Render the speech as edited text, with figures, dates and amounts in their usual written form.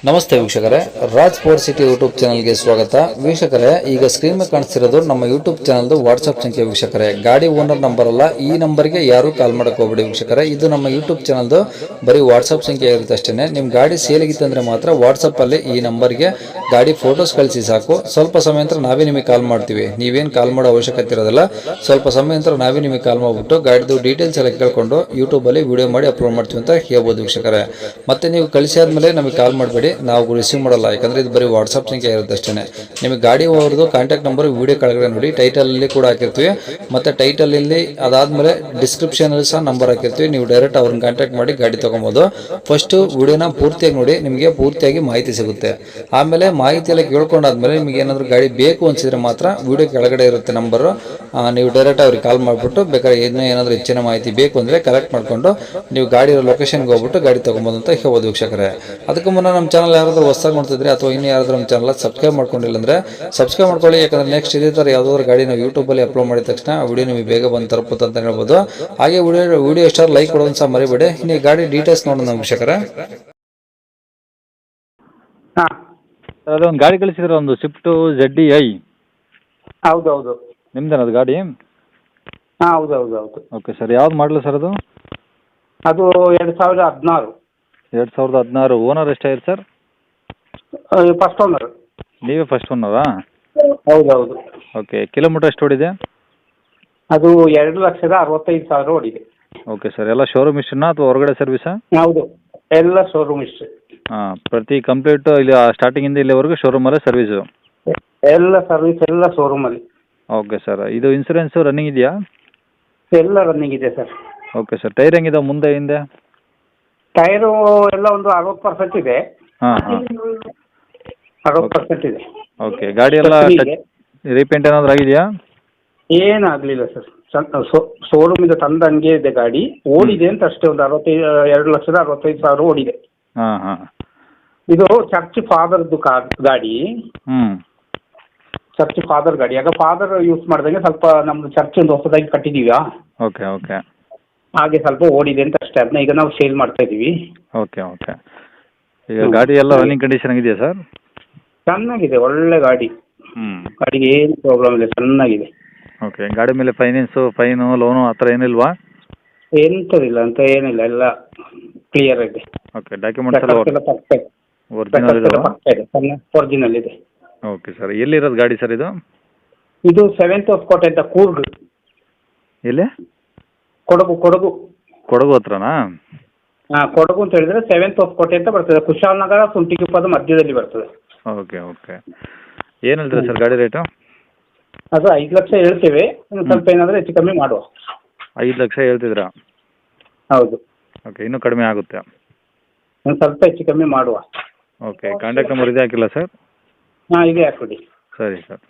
ನಮಸ್ತೆ ವೀಕ್ಷಕರೇ, Raj sports city YouTube ಚಾನಲ್ಗೆ ಸ್ವಾಗತ. ವೀಕ್ಷಕರೇ, ಈಗ ಸ್ಕ್ರೀನ್ ಮೇಲೆ ಕಾಣಿಸ್ತಿರೋದು ನಮ್ಮ ಯೂಟ್ಯೂಬ್ ಚಾನಲ್ದು ವಾಟ್ಸ್ಆಪ್ ಸಂಖ್ಯೆ. ವೀಕ್ಷಕರೇ, ಗಾಡಿ ಓನರ್ ನಂಬರ್ ಅಲ್ಲ, ಈ ನಂಬರ್ಗೆ ಯಾರು ಕಾಲ್ ಮಾಡಕ್ಕೆ ಹೋಗ್ಬೇಡಿ ವೀಕ್ಷಕರೇ. ಇದು ನಮ್ಮ ಯೂಟ್ಯೂಬ್ ಚಾನಲ್ದು ಬರೀ ವಾಟ್ಸ್ಆಪ್ ಸಂಖ್ಯೆ ಇರುತ್ತೆ ಅಷ್ಟೇ. ನಿಮ್ಮ ಗಾಡಿ ಸೇಲಿಗಿತ್ತಂದ್ರೆ ಮಾತ್ರ ವಾಟ್ಸಪ್ಪಲ್ಲಿ ಈ ನಂಬರ್ಗೆ ಗಾಡಿ ಫೋಟೋಸ್ ಕಳಿಸಿ ಸಾಕು. ಸ್ವಲ್ಪ ಸಮಯ ನಂತರ ನಾವೇ ನಿಮಗೆ ಕಾಲ್ ಮಾಡ್ತೀವಿ. ನೀವೇನು ಕಾಲ್ ಮಾಡೋ ಅವಶ್ಯಕತೆ ಇರೋದಿಲ್ಲ. ಸ್ವಲ್ಪ ಸಮಯ ನಂತರ ನಾವೇ ನಿಮಗೆ ಕಾಲ್ ಮಾಡಿಬಿಟ್ಟು ಗಾಡಿದು ಡೀಟೇಲ್ಸ್ ಎಲ್ಲ ಕೇಳ್ಕೊಂಡು ಯೂಟ್ಯೂಬಲ್ಲಿ ವಿಡಿಯೋ ಮಾಡಿ ಅಪ್ಲೋಡ್ ಮಾಡ್ತೀವಿ ಅಂತ ಹೇಳ್ಬೋದು ವೀಕ್ಷಕರೇ. ಮತ್ತೆ ನೀವು ಕಳಿಸಿ ಆದಮೇಲೆ ನಮಗೆ ಕಾಲ್ ಮಾಡಬೇಡಿ, ನಾವು ರಿಸೀವ್ ಮಾಡಲ್ಲ. ಯಾಕಂದ್ರೆ ಇದು ಬರೀ ವಾಟ್ಸ್ಆಪ್ ಸಂಖ್ಯೆ ಇರುತ್ತೆ ಅಷ್ಟೇ. ನಿಮಗೆ ಗಾಡಿ ಅವ್ರದ್ದು ಕಾಂಟ್ಯಾಕ್ಟ್ ನಂಬರ್ ವಿಡಿಯೋ ಕೆಳಗಡೆ ನೋಡಿ, ಟೈಟಲ್ ಅಲ್ಲಿ ಕೂಡ ಹಾಕಿರ್ತೀವಿ. ಮತ್ತೆ ಟೈಟಲ್ ಇಲ್ಲಿ ಅದಾದ್ಮೇಲೆ ಡಿಸ್ಕ್ರಿಪ್ಷನ್ ಅಲ್ಲಿ ಸಹ ನಂಬರ್ ಹಾಕಿರ್ತೀವಿ. ನೀವು ಡೈರೆಕ್ಟ್ ಅವ್ರನ್ನ ಕಾಂಟ್ಯಾಕ್ಟ್ ಮಾಡಿ ಗಾಡಿ ತಗೊಬೋದು. ಫಸ್ಟ್ ವಿಡಿಯೋನ ಪೂರ್ತಿಯಾಗಿ ನೋಡಿ, ನಿಮಗೆ ಪೂರ್ತಿಯಾಗಿ ಮಾಹಿತಿ ಸಿಗುತ್ತೆ. ಆಮೇಲೆ ಮಾಹಿತಿ ಎಲ್ಲ ಕೇಳ್ಕೊಂಡಾದ್ಮೇಲೆ ನಿಮಗೆ ಏನಾದರೂ ಗಾಡಿ ಬೇಕು ಅನ್ಸಿದ್ರೆ ಮಾತ್ರ ವಿಡಿಯೋ ಕೆಳಗಡೆ ಇರುತ್ತೆ ನಂಬರ್, ನೀವು ಡೈರೆಕ್ಟ್ ಅವ್ರಿಗೆ ಕಾಲ್ ಮಾಡಿಬಿಟ್ಟು ಬೇಕಾದ್ರೆ ಏನಾದರೂ ಹೆಚ್ಚಿನ ಮಾಹಿತಿ ಬೇಕು ಅಂದ್ರೆ ಕಲೆಕ್ಟ್ ಮಾಡ್ಕೊಂಡು ನೀವು ಗಾಡಿ ಲೊಕೇಶನ್ಗೆ ಹೋಗ್ಬಿಟ್ಟು ಗಾಡಿ ತಗೊಬೋದು ಅಂತ ಹೇಳ್ಬೋದು ವೀಕ್ಷಕರೇ. ಅದಕ್ಕೂ ಮುನ್ನ ನಮ್ಮ ಚಾನಲ್ ಯಾರಾದರೂ ಹೊಸದಾಗಿ ನೋಡ್ತಿದ್ರೆ ಅಥವಾ ಇನ್ನು ಯಾರಾದರೂ ನಮ್ಮ ಚಾನಲ್ ಸಬ್ಸ್ಕ್ರೈಬ್ ಮಾಡ್ಕೊಂಡಿಲ್ಲ ಅಂದ್ರೆ ಸಬ್ಸ್ಕ್ರೈಬ್ ಮಾಡ್ಕೊಳ್ಳಿ. ಯಾಕಂದ್ರೆ ನೆಕ್ಸ್ಟ್ ಇದೇ ಥರ ಯಾವುದಾದ್ರು ಗಾಡಿ ನಾವು ಯೂಟ್ಯೂಬಲ್ಲಿ ಅಪ್ಲೋಡ್ ಮಾಡಿದ ತಕ್ಷಣ ವಿಡಿಯೋ ನಿಮಗೆ ಬೇಗ ಬಂದು ತಲುಪುತ್ತೆ ಅಂತ ಹೇಳ್ಬೋದು. ಹಾಗೆ ವಿಡಿಯೋ ಎಷ್ಟಾದ್ರು ಲೈಕ್ ಕೊಡೋದು ಸಹ ಮರಿಬೇಡಿ. ಇನ್ನು ಗಾಡಿ ಡೀಟೇಲ್ಸ್ ನೋಡೋಣ ವೀಕ್ಷಕರೇ. ಹಾಂ, ಅದೊಂದು ಗಾಡಿ ಕಳಿಸಿದ್ರೆ, ಒಂದು ಸ್ವಿಫ್ಟು ZDI. ಹೌದೌದು. ನಿಮ್ದೇನ ಅದು ಗಾಡಿ? ಹಾಂ, ಹೌದು. ಓಕೆ ಸರ್, ಯಾವ್ದು ಮಾಡಲು ಸರ್ ಅದು? ಅದು 2016. 2016. ಓನರ್ ಎಷ್ಟಾಗಿದೆ ಸರ್? First owner. ನೀವೇ ಫಸ್ಟ್ ಓನರಾ? ಹೌದೌದು. ಓಕೆ, ಕಿಲೋಮೀಟರ್ ಎಷ್ಟು ಓಡಿದೆ? ಅದು 2,65,000 ಓಡಿದೆ. ಓಕೆ ಸರ್, ಎಲ್ಲ ಶೋರೂಮ್ ಇಷ್ಟನಾ ಅಥವಾ ಹೊರಗಡೆ ಸರ್ವಿಸಾ? ಹೌದು, ಎಲ್ಲ ಶೋರೂಮ್ ಇಷ್ಟೇ. ಹಾಂ, ಪ್ರತಿ ಕಂಪ್ಲೀಟು ಇಲ್ಲಿ ಸ್ಟಾರ್ಟಿಂಗಿಂದ ಇಲ್ಲಿವರೆಗೂ ಶೋರೂಮಲ್ಲೇ ಸರ್ವಿಸು? ಎಲ್ಲ ಸರ್ವಿಸ್ ಎಲ್ಲ ಶೋರೂಮಲ್ಲಿ. ಓಕೆ ಸರ್, ಇದು ಇನ್ಸೂರೆನ್ಸು ರನ್ನಿಂಗ್ ಇದೆಯಾ? ಎಲ್ಲ ರನ್ನಿಂಗ್ ಇದೆ ಸರ್. ಓಕೆ ಸರ್, ಟೈರ್ ಹೆಂಗಿದೆ ಮುಂದೆ ಹಿಂದೆ? ಟೈರು ಎಲ್ಲ ಒಂದು 60% ಇದೆ. ಹಾಂ ಹಾಂ 60% ಇದೆ. ಓಕೆ, ಗಾಡಿ ಎಲ್ಲ ರೀಪೇಂಟ್ ಏನಾದರೂ ಆಗಿದೆಯಾ? ಏನಾಗಲಿಲ್ಲ ಸರ್. ಶೋರೂಮಿಂದ ತಂದ ಹಂಗೆ ಇದೆ ಗಾಡಿ. ಓಡಿದೆ ಅಂತ ಅಷ್ಟೇ, ಒಂದು 2,65,000 ಓಡಿದೆ. ಹಾಂ ಹಾಂ. ಇದು ಚರ್ಚ್ ಫಾದರ್ದು ಗಾಡಿ. ಹ್ಞೂ. ಚರ್ಚ್ ಫಾದರ್ ಗಾಡಿ. ಆಗ ಫಾದರ್ ಯೂಸ್ ಮಾಡ್ದಂಗೆ ಸ್ವಲ್ಪ ನಮ್ದು ಚರ್ಚ್ ಒಂದು ಹೊಸದಾಗಿ ಕಟ್ಟಿದೀವಿ. Okay okay. ಹಾಗೆ ಸ್ವಲ್ಪ ಓಡಿದೆ ಅಂತ ಅಷ್ಟೇ. ಅದನ್ನ ಈಗ ನಾವು ಸೇಲ್ ಮಾಡ್ತಾ ಇದೀವಿ. Okay okay. ಈಗ ಗಾಡಿ ಎಲ್ಲ ರನ್ನಿಂಗ್ ಕಂಡೀಷನ್ ಆಗಿದೆಯಾ ಸರ್? ಚೆನ್ನಾಗಿದೆ, ಒಳ್ಳೆ ಗಾಡಿ. ಗಾಡಿಗೆ ಏನು ಪ್ರಾಬ್ಲಮ್ ಇಲ್ಲ, ಚೆನ್ನಾಗಿದೆ. ಓಕೆ, ಗಾಡಿ ಮೇಲೆ ಫೈನು ಲೋನು ಆ ಥರ ಏನಿಲ್ವಾ? ಎಂಥದಿಲ್ಲ ಅಂತ ಏನಿಲ್ಲ, ಎಲ್ಲ ಕ್ಲಿಯರ್ ಇದೆ. ಓಕೆ, ಡಾಕ್ಯುಮೆಂಟ್ಸ್ ಎಲ್ಲ ಒರಿಜಿನಲ್ ಇದಾವೆ? ಒರಿಜಿನಲ್ ಇದೆ. ಓಕೆ ಸರ್, ಎಲ್ಲಿರೋದು ಗಾಡಿ ಸರ್ ಇದು? ಇದು 7th of ಕೋಟೆ ಅಂತ, ಕೂರ್ಗ್. ಎಲ್ಲಿ? ಕೊಡಗು. ಕೊಡಗು ಹತ್ರನಾ? ಹಾಂ, ಕೊಡಗು ಅಂತ ಹೇಳಿದ್ರೆ 7th of ಕೋಟೆ ಅಂತ ಬರ್ತದೆ. ಕುಶಾಲನಗರ ಸುಂಟಿಗುಪ್ಪದ ಮಧ್ಯದಲ್ಲಿ ಬರ್ತದೆ. Okay okay. ಏನು ಹೇಳ್ತೀರಾ ಸರ್ ಗಾಡಿ ರೇಟು? ಅದು 5 ಲಕ್ಷ ಹೇಳ್ತೇವೆ, ಸ್ವಲ್ಪ ಏನಾದರೂ ಹೆಚ್ಚು ಕಮ್ಮಿ ಮಾಡುವ. 5 ಲಕ್ಷ ಹೇಳ್ತಿದ್ರಾ? ಹೌದು. ಓಕೆ, ಇನ್ನೂ ಕಡಿಮೆ ಆಗುತ್ತೆ? ಒಂದು ಸ್ವಲ್ಪ ಹೆಚ್ಚು ಕಮ್ಮಿ ಮಾಡುವ. ಓಕೆ, ಕಾಂಟ್ಯಾಕ್ಟ್ ನಂಬರ್ ಇದೆ ಹಾಕಿಲ್ಲ ಸರ್? ಹಾಂ, ಇದೆ ಹಾಕ್ಬಿಡಿ. ಸರಿ ಸರ್.